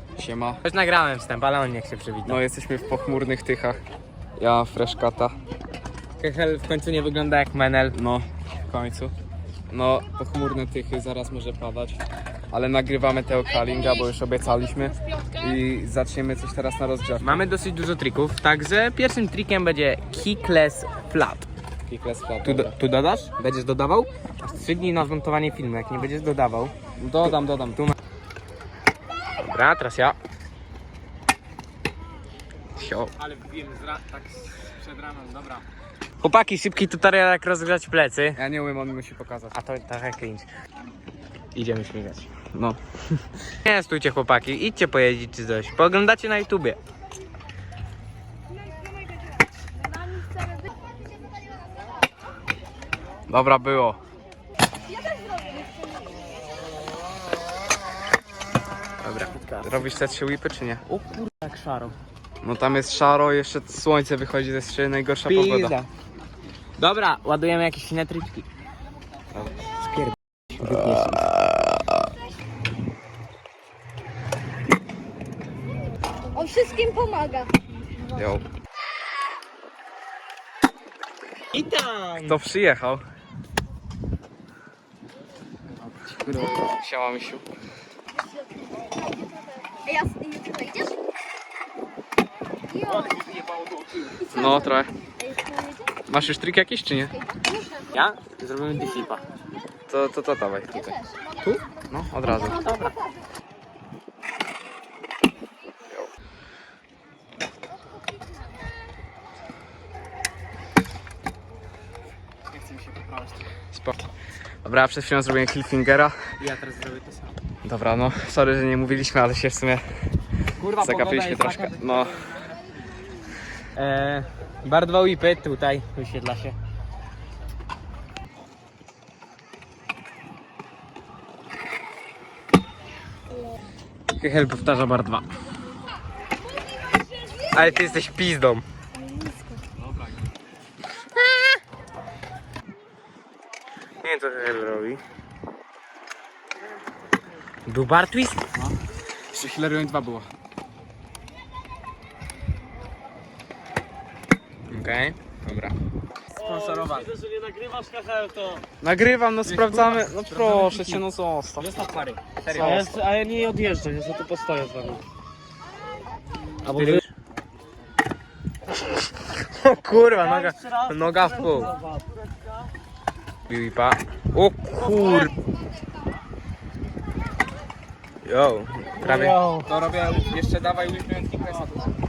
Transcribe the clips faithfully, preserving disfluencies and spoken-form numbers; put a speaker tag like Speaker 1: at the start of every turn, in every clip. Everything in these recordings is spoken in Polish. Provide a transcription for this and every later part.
Speaker 1: Siema.
Speaker 2: Już nagrałem wstęp, ale on niech się przywita.
Speaker 1: No jesteśmy w pochmurnych Tychach. Ja Freshkata.
Speaker 2: Kechel w końcu nie wygląda jak Menel.
Speaker 1: No, w końcu. No, pochmurne Tychy, zaraz może padać. Ale nagrywamy tego Kalinga, bo już obiecaliśmy. I zaczniemy coś teraz na rozgrzewkę.
Speaker 2: Mamy dosyć dużo trików, także pierwszym trikiem będzie kickless flat.
Speaker 1: Kickless flat.
Speaker 2: Tu, do, tu dodasz? Będziesz dodawał? Strzygnij na zmontowanie filmu, jak nie będziesz dodawał.
Speaker 1: Dodam, dodam.
Speaker 2: Tu ma... Dobra, teraz ja. Sio. Ale wiem, tak przed ramem, dobra. Chłopaki, szybki tutorial jak rozgrzać plecy.
Speaker 1: Ja nie umiem, on musi pokazać.
Speaker 2: A to trochę cringe. Idziemy śmigać.
Speaker 1: No.
Speaker 2: Nie stójcie chłopaki, idźcie pojeździć czy coś. Pooglądacie na YouTubie.
Speaker 1: Dobra, było.
Speaker 2: Dobra.
Speaker 1: Robisz te trzy whipy, czy nie?
Speaker 2: O kurde, jak szaro.
Speaker 1: No tam jest szaro, jeszcze słońce wychodzi, to jest jeszcze najgorsza pogoda.
Speaker 2: Pizda. Dobra, ładujemy jakieś inne tryczki. Spierd...
Speaker 3: On wszystkim pomaga.
Speaker 1: Jo.
Speaker 2: I tam!
Speaker 1: Kto przyjechał? Siema, misiu.
Speaker 3: Ej, ja ty wejdziesz? Jo.
Speaker 1: No, trochę.
Speaker 3: Ej, tu jedziesz?
Speaker 1: Masz już trik jakiś, czy nie?
Speaker 2: Ja? Zrobimy D-flipa.
Speaker 1: To, to, to dawaj tutaj. Tu? No, od razu.
Speaker 2: Dobra.
Speaker 1: Nie chcę mi się poprawić. Spoko. Dobra, przed chwilą zrobiłem cliffhangera.
Speaker 2: Ja teraz zrobię to samo.
Speaker 1: Dobra, no, sorry, że nie mówiliśmy, ale się w sumie
Speaker 2: Kurwa,
Speaker 1: zagapiliśmy troszkę. No,
Speaker 2: Eee, bar dwa whipy, tutaj wyświetla się. Kechel powtarza bar dwa. Ale ty jesteś pizdą. Nie wiem co Kechel robi. Był bar twist?
Speaker 1: jeszcze Hilarion dwa było.
Speaker 2: Okej, okay, dobra. Sponsorowany.
Speaker 4: Widzę, że nie nagrywasz K H L, to...
Speaker 1: Nagrywam, no sprawdzamy. No proszę cię, no zostaw.
Speaker 2: Zostaw pary.
Speaker 4: A
Speaker 2: Serio.
Speaker 4: ja, a ja nie odjeżdżę, ja tu postoję z wami.
Speaker 2: Albo wy... O kurwa, noga, noga w pół. Bipa. O kur... Yo, prawie.
Speaker 1: To robię, jeszcze dawaj whipem Kicklessa.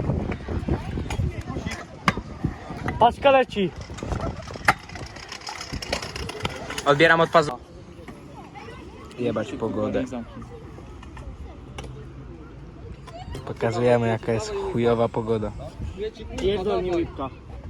Speaker 4: Paczka leci!
Speaker 2: Odbieram od pazu. Jebać pogodę. Pokazujemy jaka jest chujowa pogoda.
Speaker 4: Jedź do mnie łipka.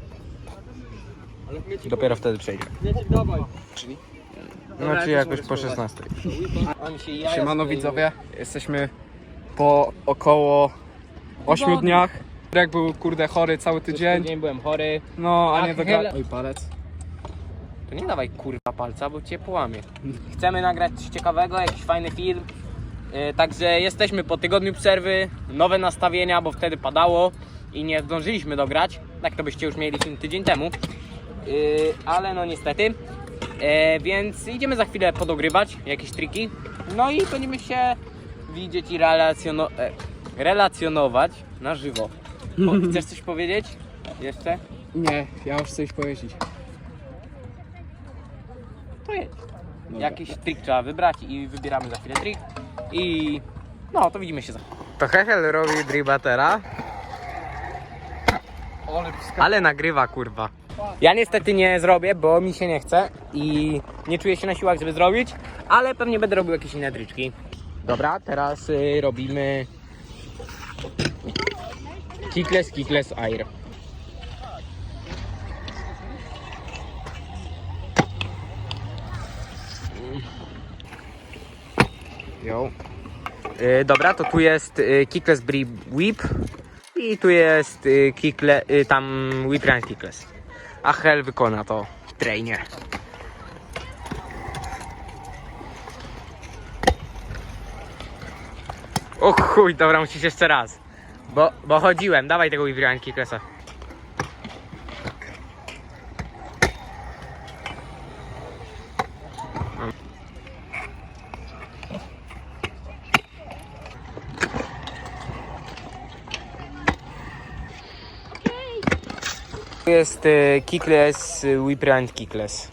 Speaker 2: Dopiero wtedy przejdzie.
Speaker 4: Dawaj.
Speaker 2: No czyli jakoś po szesnastej.
Speaker 1: Siemano widzowie, jesteśmy po około ośmiu dniach. Jak był kurde chory cały tydzień.
Speaker 2: Dzień byłem chory.
Speaker 1: No, a
Speaker 2: A
Speaker 1: nie do
Speaker 2: chyle-
Speaker 1: Oj, palec.
Speaker 2: To nie dawaj kurwa palca, bo cię połamie. Chcemy nagrać coś ciekawego, jakiś fajny film. Yy, także jesteśmy po tygodniu przerwy, nowe nastawienia, bo wtedy padało i nie zdążyliśmy dograć. Tak to byście już mieli film tydzień temu. Yy, ale no niestety. Yy, więc idziemy za chwilę podogrywać jakieś triki. No i będziemy się widzieć i relacjono- e, relacjonować na żywo. O, chcesz coś powiedzieć? Jeszcze?
Speaker 1: Nie, ja już chcę iść pojeździć.
Speaker 2: To jedź. Jakiś trik trzeba wybrać i wybieramy za chwilę trik. I no, to widzimy się za chwilę. To Hechel robi dribatera, ale nagrywa kurwa. Ja niestety nie zrobię, bo mi się nie chce i nie czuję się na siłach, żeby zrobić, ale pewnie będę robił jakieś inne triczki. Dobra, teraz y, robimy kickless, kickless air.
Speaker 1: Jo.
Speaker 2: Yy, dobra, to tu jest yy, kickless bri whip i tu jest yy, kickle, yy, tam whip run kickless. A Hel wykona to w trainie. O chuj, dobra, musisz jeszcze raz. Bo, bo chodziłem, dawaj tego Whip Kicklessa. Tu jest y, Kickless, y, Whip and Kickless.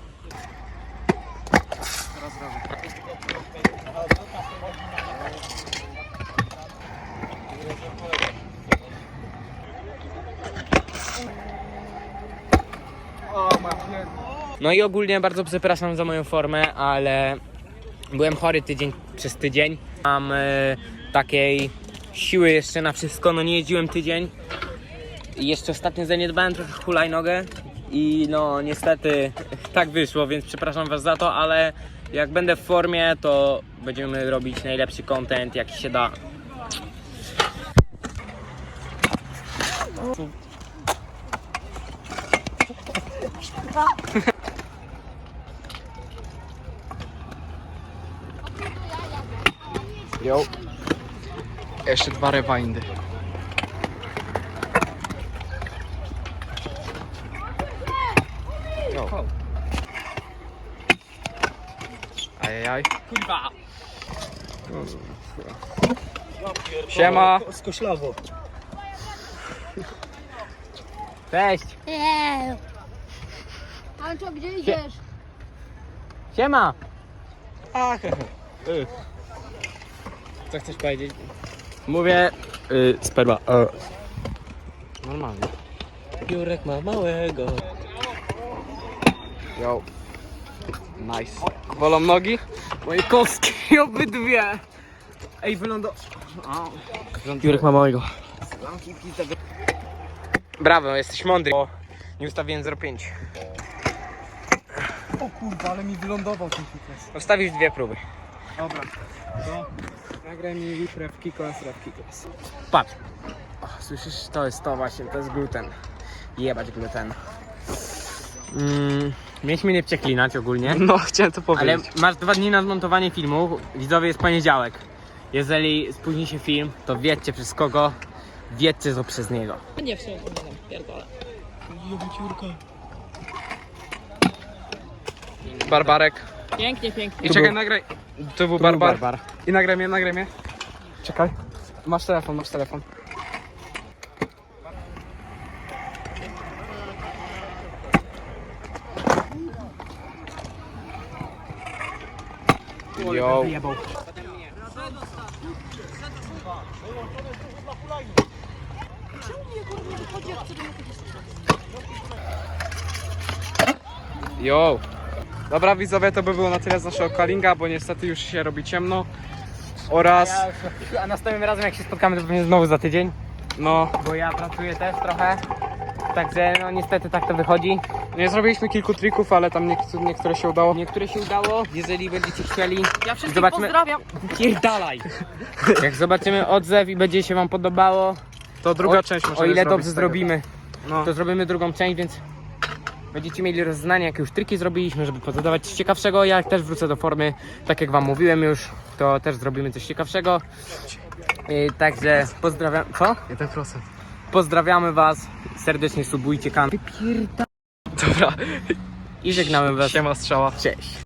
Speaker 2: No i ogólnie bardzo przepraszam za moją formę, ale byłem chory tydzień przez tydzień. Mam y, takiej siły jeszcze na wszystko, no nie jeździłem tydzień. I jeszcze ostatnio zaniedbałem trochę hulajnogę i no niestety tak wyszło, więc przepraszam was za to, ale jak będę w formie, to będziemy robić najlepszy content jaki się da.
Speaker 1: Jo. Jeszcze dwa rewindy. Jo. Ajajaj.
Speaker 2: Kurwa!
Speaker 1: Siema.
Speaker 4: Skoślawo.
Speaker 2: Cześć!
Speaker 3: Eee. Ale co, gdzie idziesz?
Speaker 2: Siema!
Speaker 1: Co chcesz powiedzieć?
Speaker 2: Mówię y, sperma. E.
Speaker 1: Normalnie.
Speaker 4: Jurek ma małego.
Speaker 1: Jo. Nice. Bolą nogi?
Speaker 2: Moje kostki obydwie! Ej, wylądo...
Speaker 4: Jurek ma małego.
Speaker 2: Brawo, jesteś mądry, bo nie ustawiłem zero przecinek pięć.
Speaker 1: O kurwa, ale mi wylądował ten kickless.
Speaker 2: Ustawisz dwie próby.
Speaker 1: Dobra. To nagraj mi whip ref kickless, ref kickless.
Speaker 2: Patrz. O, słyszysz? To jest to właśnie, to jest gluten. Jebać gluten. Mm, mieliśmy nie przeklinać ogólnie,
Speaker 1: No, chciałem to
Speaker 2: ale
Speaker 1: powiedzieć.
Speaker 2: masz dwa dni na zmontowanie filmu. Widzowie, jest poniedziałek. Jeżeli spóźni się film, to wiedzcie przez kogo, wiedzcie co przez niego.
Speaker 5: Nie, w sumie to nie wiem, pierdolę.
Speaker 1: Barbarek.
Speaker 5: Pięknie, pięknie.
Speaker 1: I czekaj, nagraj. To był barbar.
Speaker 2: Barbar.
Speaker 1: I nagraj mnie, nagraj mnie. Czekaj. Masz telefon, masz telefon. Jo. Jo. Dobra widzowie, to by było na tyle z naszego callinga, bo niestety już się robi ciemno. Oraz,
Speaker 2: A następnym razem jak się spotkamy, to pewnie znowu za tydzień,
Speaker 1: no,
Speaker 2: bo ja pracuję też trochę. Także no niestety tak to wychodzi.
Speaker 1: nie zrobiliśmy kilku trików, ale tam niektóre, niektóre się udało.
Speaker 2: Niektóre się udało, jeżeli będziecie chcieli.
Speaker 5: Ja wszystkich
Speaker 2: Zobaczmy.
Speaker 5: pozdrawiam.
Speaker 2: Pierdalaj! Jak zobaczymy odzew i będzie się wam podobało,
Speaker 1: To druga
Speaker 2: o,
Speaker 1: część
Speaker 2: o
Speaker 1: możemy
Speaker 2: ile
Speaker 1: zrobić
Speaker 2: dobrze
Speaker 1: z tego.
Speaker 2: zrobimy,
Speaker 1: No.
Speaker 2: to zrobimy drugą część, więc będziecie mieli rozeznanie, jakie już triki zrobiliśmy, żeby pozadawać coś ciekawszego. Ja też wrócę do formy, tak jak wam mówiłem już, to też zrobimy coś ciekawszego. Yy, także pozdrawiam. Co?
Speaker 1: jeden procent.
Speaker 2: Pozdrawiamy was, serdecznie subujcie kanał
Speaker 1: Dobra,
Speaker 2: i żegnamy was.
Speaker 1: siema strzała.
Speaker 2: Cześć.